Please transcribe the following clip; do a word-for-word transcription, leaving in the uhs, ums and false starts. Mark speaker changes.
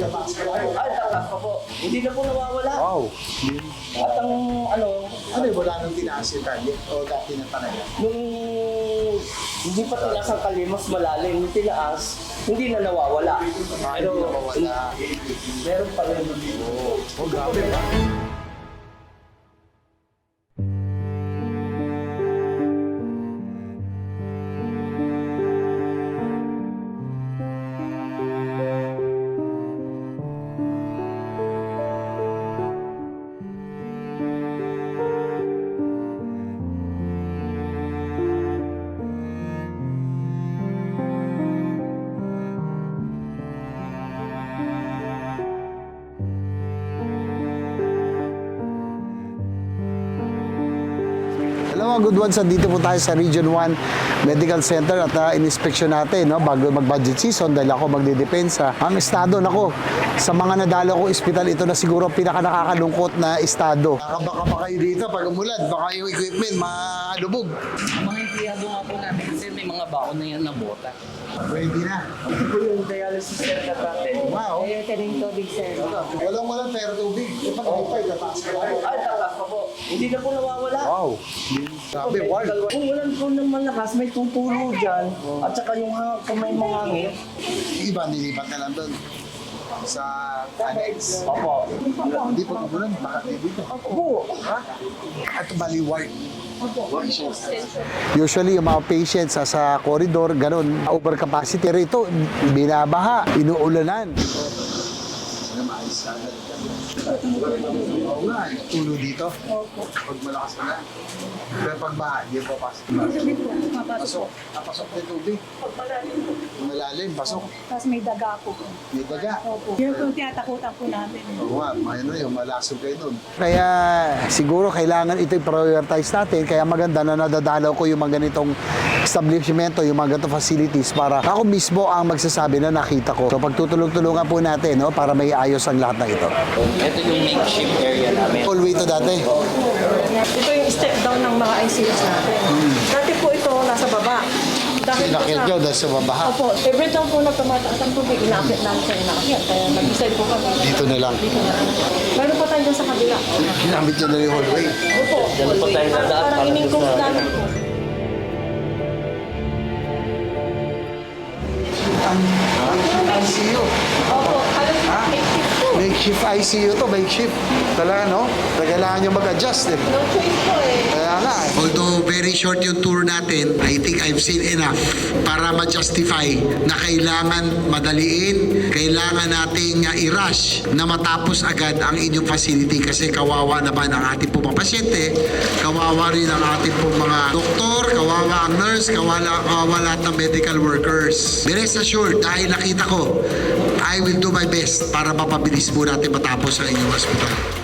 Speaker 1: Ay, takas pa po. Hindi na po nawawala.
Speaker 2: Wow.
Speaker 1: At ang ano,
Speaker 2: Ano yung wala nang tinaas yung kalye? O dati na talaga?
Speaker 1: nung hindi pa tinaas ang kali, mas malalim. Yung tinaas, hindi na nawawala. Pero,
Speaker 2: Wala.
Speaker 1: meron pa rin.
Speaker 2: Oh, grabe ba? Hello mga good ones, dito po tayo sa Region one Medical Center at uh, in-inspection natin no, bago mag-budget season dahil ako magdidepensa. Ang estado nako, sa mga nadalo ko ospital, ito na siguro ang pinaka nakakalungkot na estado. Baka pa kayo dito pag umulan, baka yung equipment malubog.
Speaker 1: Ang mga empleyado nga po namin kasi may mga baon na yan na bota.
Speaker 2: Pwede na.
Speaker 1: Ito po yung dialysis center natin.
Speaker 2: Wow.
Speaker 3: Eh, ito rin tubig, sir.
Speaker 2: Walang walang pero tubig. Ito pa kapay, tataas ka lang.
Speaker 1: Ay, takas pa po. Hindi na po nawawala.
Speaker 2: Wow. Grabe, ward.
Speaker 1: Kung walang po ng malakas, may tutulo dyan. At saka yung ha- kung may mga hangin.
Speaker 2: Yung iba, nilipat na lang doon sa annex.
Speaker 1: Opo.
Speaker 2: Hindi pa umulan, baka dito.
Speaker 1: Opo. Ha?
Speaker 2: At bali ward. Usually, yung mga patients sa, sa corridor, ganun, overcapacity. Pero ito, binabaha, inuulanan. Oo nga, tulo dito. Pag malakas na. Pero pag baha, hindi pa pasok. Pasok. Napasok na yung tubig. Malalim, pasok.
Speaker 3: Tapos may daga po.
Speaker 2: May daga.
Speaker 3: Opo. Yun po yung tinatakutan po namin.
Speaker 2: Oo nga, ano yun, malasog kayo nun. Kaya siguro kailangan ito i-prioritize natin. Kaya maganda na nadadalaw ko yung mga ganitong establishmento, yung mga ganitong facilities para ako mismo ang magsasabi na nakita ko. So pagtutulong-tulungan po natin no, para may ayos ang lahat ng ito.
Speaker 1: Ito yung makeshift area namin.
Speaker 2: All way to dati.
Speaker 3: Ito yung step down ng mga I C Us natin. Dati po ito nasa baba. Dahil po
Speaker 2: Inakit nyo dahil sa babaha.
Speaker 3: Opo, every time po na tumataas ang tubig, inakit namin sa inakit. Kaya nag-decide po kami.
Speaker 2: Dito na lang.
Speaker 3: Dito na lang. Meron po tayo dyan sa kabila.
Speaker 2: Ginamit nyo na yung hallway.
Speaker 3: Opo.
Speaker 1: Diyan po tayo nadaan
Speaker 3: Parang
Speaker 1: para
Speaker 3: iningkong
Speaker 1: sa-
Speaker 3: namin po.
Speaker 2: I C U.
Speaker 3: Opo, halos makeshift po.
Speaker 2: Makeshift I C U to, makeshift. Talaga, no? Kailangan nyo mag-adjust eh.
Speaker 3: No choice po eh.
Speaker 2: Kaya nga eh.
Speaker 4: Although very short yung tour natin, I think I've seen enough para ma-justify na kailangan madaliin, kailangan nating uh, i-rush na matapos agad ang inyong facility kasi kawawa naman ang ating pong mga pasyente, kawawa rin ang ating pong mga doktor, kawawa ang nurse, kawawa, kawawa lahat ng medical workers. Be rest assured, dahil nakita ko, I will do my best para mapabilis po natin matapos ang inyong hospital.